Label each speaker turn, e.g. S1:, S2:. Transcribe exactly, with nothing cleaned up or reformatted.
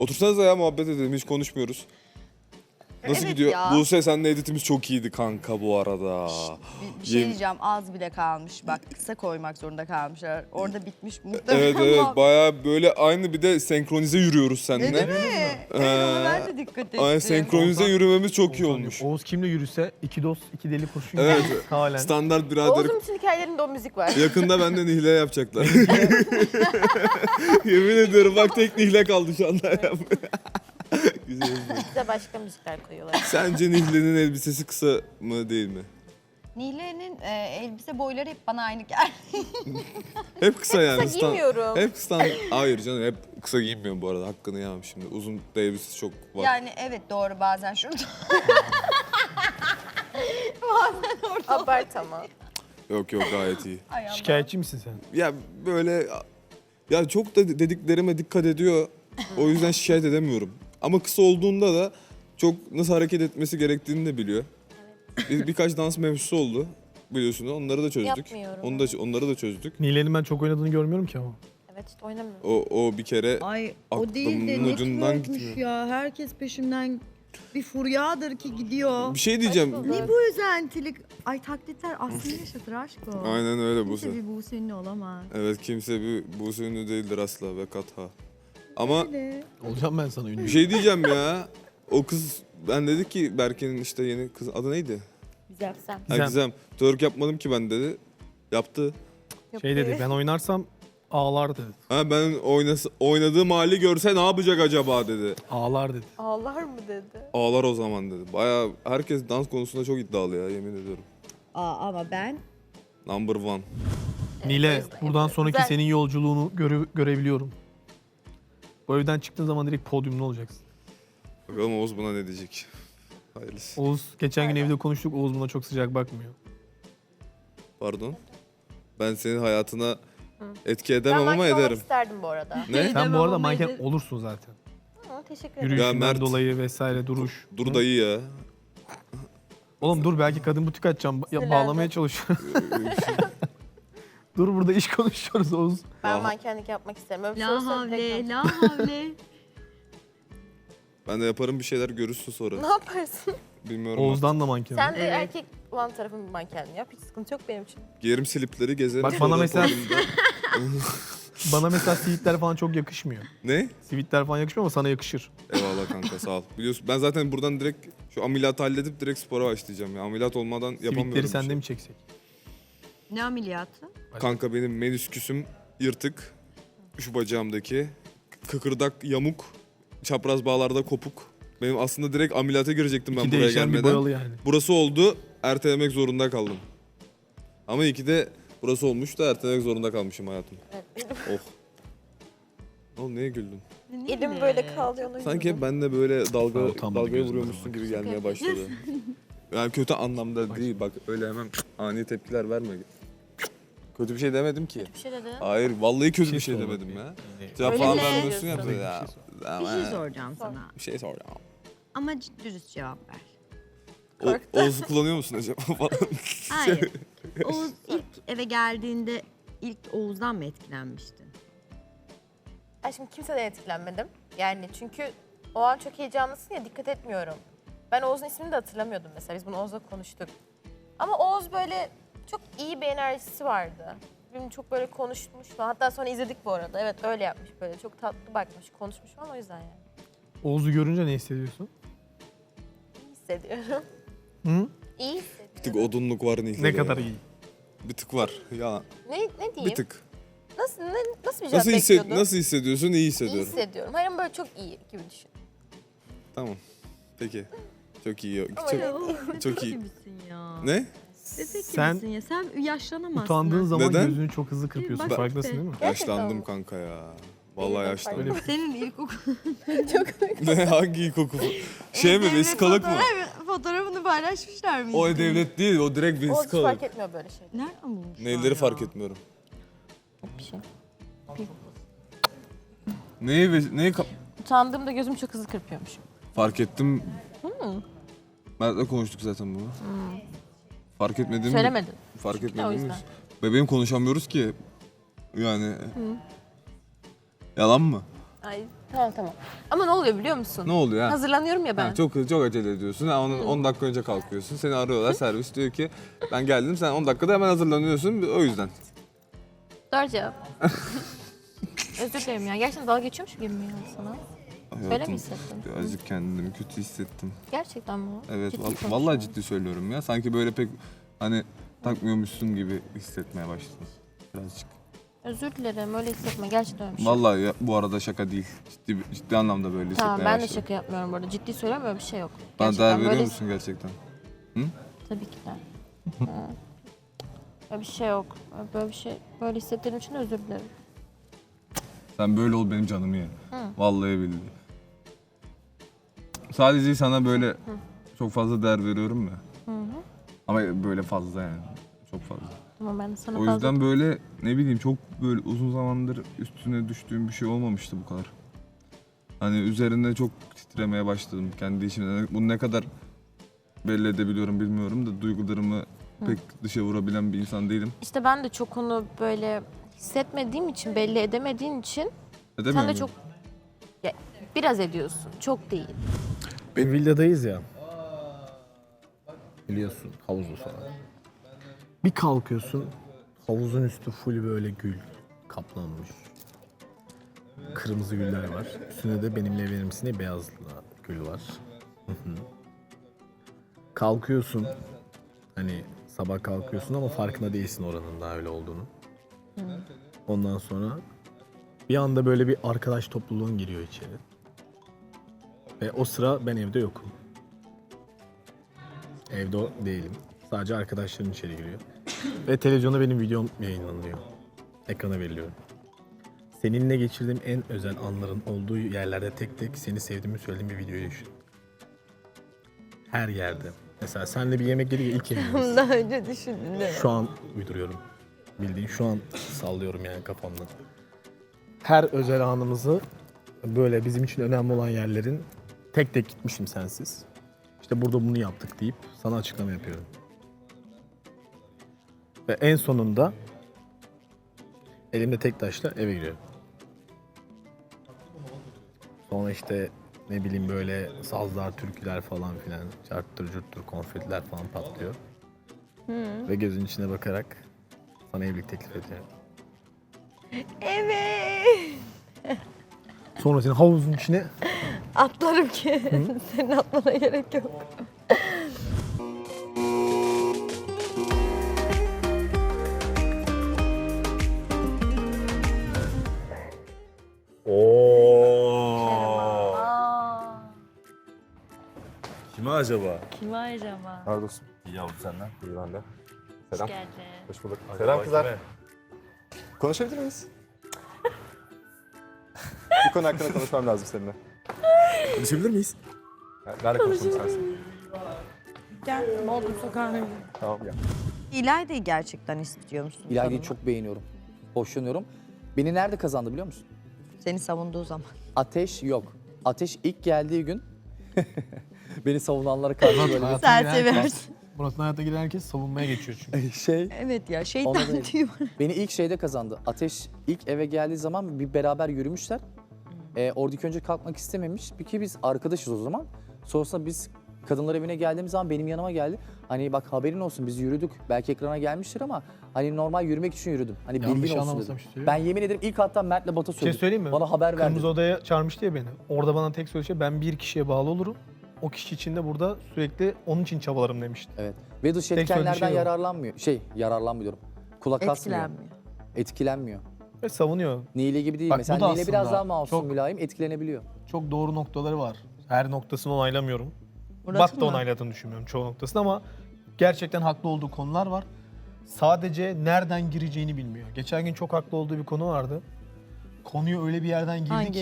S1: Otursanıza ya, muhabbet edelim, hiç konuşmuyoruz. Nasıl
S2: Evet
S1: gidiyor?
S2: ya.
S1: Buse, seninle editimiz çok iyiydi kanka bu arada.
S2: Bir, bir şey
S1: Yem-
S2: diyeceğim, az bile kalmış. Bak, kısa koymak zorunda kalmışlar. Orada bitmiş muhtemelen.
S1: Evet evet,
S2: ama-
S1: baya böyle aynı, bir de senkronize yürüyoruz seninle.
S2: Değil mi? Evet, ona ben de dikkat ettim.
S1: Ay, senkronize yürümemiz çok iyi
S3: Oğuzhan
S1: olmuş.
S3: diyor, Oğuz kimle yürüse iki dost iki deli kurşun
S1: Evet.
S3: gibi halen.
S1: Standart birader.
S4: Oğuz'un bütün hikayelerinde o müzik var.
S1: Yakında benden nihle yapacaklar. Yemin ediyorum, bak tek nihle kaldı şu anda. Güzel.
S4: Bize başka müzikler koyuyorlar.
S1: Sence Nihle'nin elbisesi kısa mı değil mi?
S2: Nihle'nin e, elbise boyları hep bana aynı geldi.
S1: Hep kısa yani.
S4: Kısa
S1: Stan-
S4: giymiyorum.
S1: Hep stand. Hayır canım, hep kısa giyinmiyorum bu arada. Hakkını yemem şimdi. Uzun da elbisesi çok var.
S2: Yani evet, doğru, bazen şurada.
S4: Abart ama.
S1: Yok yok, gayet iyi.
S2: Ay Allah.
S3: Şikayetçi misin sen?
S1: Ya böyle, ya çok da dediklerime dikkat ediyor. O yüzden şikayet edemiyorum. Ama kısa olduğunda da çok nasıl hareket etmesi gerektiğini de biliyor. Bir, birkaç dans mevzusu oldu biliyorsun. Onları da çözdük.
S4: Yapmıyorum.
S1: Onu da onları da çözdük.
S3: Nile'nin ben çok oynadığını görmüyorum ki ama.
S4: Evet işte oynamıyorum.
S1: O o bir kere
S5: Ay
S1: Aklımın
S5: o değil de
S1: ucundan
S5: networkmüş
S1: gitmiyor.
S5: ya. Herkes peşimden bir furyadır ki gidiyor.
S1: bir şey diyeceğim.
S4: Saçma.
S5: Ne bu özentilik? Ay taklitler aslında yaşatır aşk o.
S1: Aynen öyle Buse.
S5: Kimse bir Buse ünlü olamaz.
S1: Evet, kimse bir Buse ünlü değildir asla ve katha. Ama
S5: Öyle.
S3: Olacağım ben sana ünlü.
S1: bir şey diyeceğim ya. O kız, ben dedi ki Berke'nin işte yeni kız adı neydi?
S4: Güzel sen.
S1: Ha,
S3: Gizem.
S1: Gizem. Twerk yapmadım ki ben dedi. Yaptı.
S3: Şey dedi, ben oynarsam ağlar dedi.
S1: Ha, ben oynası, oynadığım hali görse ne yapacak acaba dedi.
S3: Ağlar dedi.
S4: Ağlar mı dedi?
S1: Ağlar o zaman dedi. Baya herkes dans konusunda çok iddialı ya, yemin ediyorum.
S5: Aa, ama ben
S1: Number one.
S3: Nile,
S4: yüzden
S3: buradan
S4: yapıyorum.
S3: sonraki
S4: Güzel.
S3: senin yolculuğunu göre- görebiliyorum. Bu evden çıktığın zaman direkt podyumda olacaksın.
S1: Bakalım Oğuz buna ne diyecek. Hayırlısı.
S3: Oğuz, geçen gün evde konuştuk, Oğuz buna çok sıcak bakmıyor.
S1: Pardon. Ben senin hayatına etki
S4: Ben
S1: edemem ama
S4: manken olmak
S1: ederim.
S4: isterdim bu arada.
S1: Ne?
S3: Sen bu
S5: Demem
S3: arada
S5: ama
S3: manken
S5: ederim.
S3: olursun zaten.
S4: Hı, teşekkür ederim.
S3: Yürüyüşünden
S1: Mert.
S3: dolayı vesaire, duruş.
S1: Dur
S3: Hı?
S1: dayı ya.
S3: Oğlum dur, belki kadın butik açacağım. Ya,
S4: Sinirlendim.
S3: bağlamaya çalışıyor. Dur, burada iş konuşuyoruz Oğuz.
S4: Ben
S1: Aha.
S4: mankenlik yapmak isterim. Öyle bir şey
S5: la
S4: olsa direkt
S5: havle
S4: yapacağım.
S5: la havle.
S1: Ben de yaparım bir şeyler, görürsün sonra.
S4: Ne yaparsın?
S1: Bilmiyorum.
S3: Oğuz'dan da manken.
S4: Sen de
S5: Evet.
S4: erkek olan tarafın mankenliği yap. Hiç sıkıntı yok benim için.
S1: Giyerim slipleri, gezerim.
S3: Bak bana
S1: sonra
S3: mesela-
S1: podyumda.
S3: Bana mesela sivitler falan çok yakışmıyor.
S1: Ne?
S3: Sivitler falan yakışmıyor ama sana yakışır.
S1: Eyvallah kanka, sağ ol. Biliyorsun ben zaten buradan direkt şu ameliyatı halledip direkt spora başlayacağım ya. Ameliyat olmadan yapamıyorum.
S3: Sivitleri
S1: bir
S3: sende
S1: şey.
S3: mi çeksek?
S5: Ne ameliyatı?
S1: Kanka benim menisküsüm yırtık. Şu bacağımdaki. Kıkırdak yamuk. Çapraz bağlarda kopuk. Benim aslında direkt ameliyata girecektim ben
S3: İki
S1: buraya
S3: değişen bir
S1: gelmeden.
S3: boyalı yani.
S1: Burası oldu, ertelemek zorunda kaldım. Ama iyi ki de burası olmuş da ertelemek zorunda kalmışım hayatım.
S4: Evet.
S1: Oh. Ne oldu, neye güldün?
S4: Elim böyle kalıyor. ona
S1: Sanki hep
S4: güldüm.
S1: ben de böyle dalga
S3: Ha, utanmadı
S1: dalgaya
S3: gözümden
S1: vuruyormuşsun
S3: bak.
S1: gibi gelmeye başladı. Yani kötü anlamda değil, bak öyle hemen ani tepkiler verme. Kötü bir şey demedim ki.
S4: Bir şey dedi.
S1: Hayır, vallahi kötü
S3: Bir
S1: bir
S3: şey
S1: şey
S3: sor
S1: demedim ya.
S3: bakayım.
S1: Cevap
S4: Öyle
S1: falan
S4: mi?
S1: vermiyorsun ya.
S4: Bir
S1: Ya.
S5: Bir şey soracağım
S4: Sor.
S5: sana.
S1: Bir şey soracağım.
S5: Ama c- dürüst cevap ver.
S1: O, Oğuz'u kullanıyor musun acaba falan?
S5: Hayır. Oğuz ilk eve geldiğinde ilk Oğuz'dan mı etkilenmiştin?
S4: Ben şimdi kimseden etkilenmedim. Yani çünkü o an çok heyecanlısın ya, dikkat etmiyorum. Ben Oğuz'un ismini de hatırlamıyordum mesela. Biz bunu Oğuz'la konuştuk. Ama Oğuz böyle çok iyi bir enerjisi vardı. Benim çok böyle konuşmuş falan. Hatta sonra izledik bu arada. Evet öyle yapmış böyle. Çok tatlı bakmış, konuşmuş falan, o yüzden yani.
S3: Oğuz'u görünce ne hissediyorsun?
S4: İyi hissediyorum.
S3: Hı?
S4: İyi
S1: Bir
S4: hissediyorum.
S1: tık odunluk var Nihle'de.
S3: Ne kadar
S1: ya.
S3: iyi.
S1: Bir tık var. Ya
S4: Ne, ne diyeyim?
S1: bir tık.
S4: Nasıl, ne, nasıl bir cevap
S1: Nasıl, hissed
S4: bekliyordun?
S1: nasıl hissediyorsun? İyi
S4: İyi
S1: hissediyorum.
S4: hissediyorum. Hayır ama böyle çok iyi gibi düşün.
S1: Tamam. Peki. Çok iyi.
S4: Ama
S1: Çok...
S4: öyle-
S5: Oğuz
S1: Çok iyi.
S5: gibisin ya.
S1: Ne?
S5: Bebek
S3: Sen
S5: gibisin ya. Sen yaşlanamazsın.
S3: Utandığın zaman
S1: Neden?
S3: gözünü çok hızlı kırpıyorsun.
S5: bak
S3: Farkındasın
S5: işte.
S3: değil mi?
S4: Gerçekten
S1: Yaşlandım
S4: mi?
S1: kanka ya.
S4: Benim
S1: Vallahi
S4: de
S1: yaşlandım.
S3: Öyle
S5: Senin ilkokul
S1: Ne, hangi ilkokul? Şey mi,
S5: Devlet
S1: vesikalık mı?
S5: fotoğraf- Fotoğrafını paylaşmışlar mıydı?
S1: O devlet değil, o direkt
S4: Oğuz hiç
S1: vesikalık.
S4: fark etmiyor böyle şey.
S5: Nereden bulmuşlar
S1: Neyleri
S5: ya?
S1: fark etmiyorum.
S4: Bir şey.
S1: Neyi, ve- neyi ka-
S4: Utandığımda gözüm çok hızlı kırpıyormuşum.
S1: fark ettim. Mert'le konuştuk zaten bunu. Fark etmediğimi...
S4: Söylemedin.
S1: Fark
S4: Çünkü de o
S1: etmediğimi...
S4: yüzden.
S1: Bebeğim konuşamıyoruz ki. Yani... Yalan mı?
S4: Ay tamam tamam. Ama ne oluyor biliyor musun?
S1: Ne oluyor ha?
S4: Hazırlanıyorum ya ben.
S1: Ha, çok çok acele ediyorsun. Ha, onun on dakika önce kalkıyorsun. Seni arıyorlar, servis diyor ki ben geldim. Sen on dakikada hemen hazırlanıyorsun. O yüzden.
S4: Doğru cevap. Özür dilerim ya. Gerçekten dalga geçiyormuş gibi mi ya sana? Öyle mi hissettin?
S1: Birazcık kendimi kötü hissettim.
S4: Gerçekten mi?
S1: Evet,
S4: Ciddi
S1: val-
S4: konuşuyorum.
S1: vallahi ciddi söylüyorum ya. Sanki böyle pek hani takmıyormuşsun gibi hissetmeye başladım birazcık.
S4: Özür dilerim. Öyle hissetme. Gerçekten öyle bir şey. yok.
S1: Vallahi ya, bu arada şaka değil. Ciddi ciddi anlamda böyle hissetmeye
S4: Tamam ben de
S1: başladım.
S4: şaka yapmıyorum bu arada. Ciddi söylüyorum öyle bir şey yok.
S1: Bana
S4: Gerçekten
S1: değer veriyor
S4: böyle-
S1: musun gerçekten?
S4: Tabii ki de. Hı. Öyle bir şey yok. Böyle bir şey, böyle hissettiğim için özür dilerim.
S1: Sen böyle ol benim canımı ye. Vallahi billahi. Sadece sana böyle çok fazla değer veriyorum ya. Ama böyle fazla yani. Çok fazla.
S4: Tamam ben de sana
S1: O
S4: fazla...
S1: yüzden böyle ne bileyim çok böyle uzun zamandır üstüne düştüğüm bir şey olmamıştı bu kadar. Hani üzerinde çok titremeye başladım kendi işimde. Bunu ne kadar belli edebiliyorum bilmiyorum da duygularımı pek dışa vurabilen bir insan değilim.
S4: İşte ben de çok onu böyle hissetmediğim için, belli edemediğin için
S1: Edemiyor
S4: sen de
S1: muyum?
S4: çok... Ya, biraz ediyorsun. Çok değil.
S3: Bir villadayız ya. Biliyorsun havuzlu falan. Bir kalkıyorsun havuzun üstü full böyle gül kaplanmış. Kırmızı güller var. Üstünde de benimle evlenir misin diye beyaz gül var. Hı hı. Kalkıyorsun. Hani sabah kalkıyorsun ama farkında değilsin oranın daha öyle olduğunu. Ondan sonra bir anda böyle bir arkadaş topluluğun giriyor içeri. Ve o sıra ben evde yokum. Evde o değilim. Sadece arkadaşlarım içeri giriyor. Ve televizyonda benim videom yayınlanıyor. Ekrana veriliyor. Seninle geçirdiğim en özel anların olduğu yerlerde tek tek seni sevdiğimi söylediğim bir videoyu düşün. Her yerde. Mesela senle bir yemek yedik ya ilk yemeğimiz.
S2: Daha önce düşündün değil mi?
S3: Şu an uyduruyorum. Bildiğin şu an sallıyorum yani kafamda. Her özel anımızı böyle bizim için önemli olan yerlerin tek tek gitmişim sensiz. İşte burada bunu yaptık deyip sana açıklama yapıyorum. Ve en sonunda elimde tek taşla eve giriyorum. Sonra işte ne bileyim böyle sazlar, türküler falan filan, çarptır cürttür, konfetiler falan patlıyor. Ve gözün içine bakarak sana evlilik teklif ediyorum.
S2: Evet.
S3: Sonra seni havuzun içine
S2: Atlarım ki. Senin atmana gerek yok.
S6: Oo. Kime acaba?
S7: Kim acaba?
S6: Pardon. İyi yavrum senden. İyi ben de. Selam.
S7: Geldi.
S6: Hoş bulduk. Selam kızlar. Konuşabilir miyiz? Bir konu hakkında konuşmam lazım seninle. Konuşabilir miyiz? Nerede konuşalım sensin?
S7: Gel. Bodrum sokağına.
S6: Tamam gel.
S2: İlayda'yı gerçekten istiyor musun?
S8: İlayda'yı
S2: Tanımak?
S8: çok beğeniyorum. Hoşlanıyorum. Beni nerede kazandı biliyor musun?
S2: Seni savunduğu zaman.
S8: Ateş yok. Ateş ilk geldiği gün beni savunanlara karşı böyle
S3: hayata
S2: Sen
S3: giren
S2: seversin.
S3: herkes- Burasına hayata giren herkes savunmaya geçiyor çünkü.
S8: bir şey.
S2: Evet ya
S8: Ona
S2: şeytan
S8: değil.
S2: tüyü var.
S8: Beni ilk şeyde kazandı. Ateş ilk eve geldiği zaman bir beraber yürümüşler. Ee, oradaki önce kalkmak istememiş. Bir ki biz arkadaşız o zaman. Sonrasında biz kadınlar evine geldiğimiz zaman benim yanıma geldi. Hani bak haberin olsun biz yürüdük. Belki ekrana gelmiştir ama hani normal yürümek için yürüdüm. Hani
S3: Yanlış
S8: bilgin olsun
S3: anlamasam
S8: dedim.
S3: bir şey
S8: Ben yemin ederim ilk hatta Mert'le Bat'a
S3: Bir şey
S8: söyledim.
S3: söyleyeyim mi?
S8: Bana haber verdi.
S3: Kırmızı Oda'ya çağırmıştı ya beni. Orada bana tek söylediği şey ben bir kişiye bağlı olurum. O kişi için de burada sürekli onun için çabalarım demişti.
S8: Evet. Ve dış
S3: Tek söylediği
S8: etkenlerden
S3: şey o.
S8: yararlanmıyor. Şey yararlanmıyorum. Kulak asmıyor.
S2: Etkilenmiyor.
S8: Etkilenmiyor.
S3: Ve savunuyor.
S8: Nile gibi değil.
S3: Bak, bu
S8: Mesela
S3: da
S8: Nile biraz
S3: aslında
S8: daha masum,
S3: çok-
S8: mülayim, etkilenebiliyor.
S3: Çok doğru noktaları var. Her noktasını onaylamıyorum.
S2: Murat'ın
S3: Bat da
S2: mı?
S3: onayladığını düşünmüyorum çoğu noktasını ama gerçekten haklı olduğu konular var. Sadece nereden gireceğini bilmiyor. Geçen gün çok haklı olduğu bir konu vardı. Konuyu öyle bir yerden girdi
S2: Hangi?
S3: ki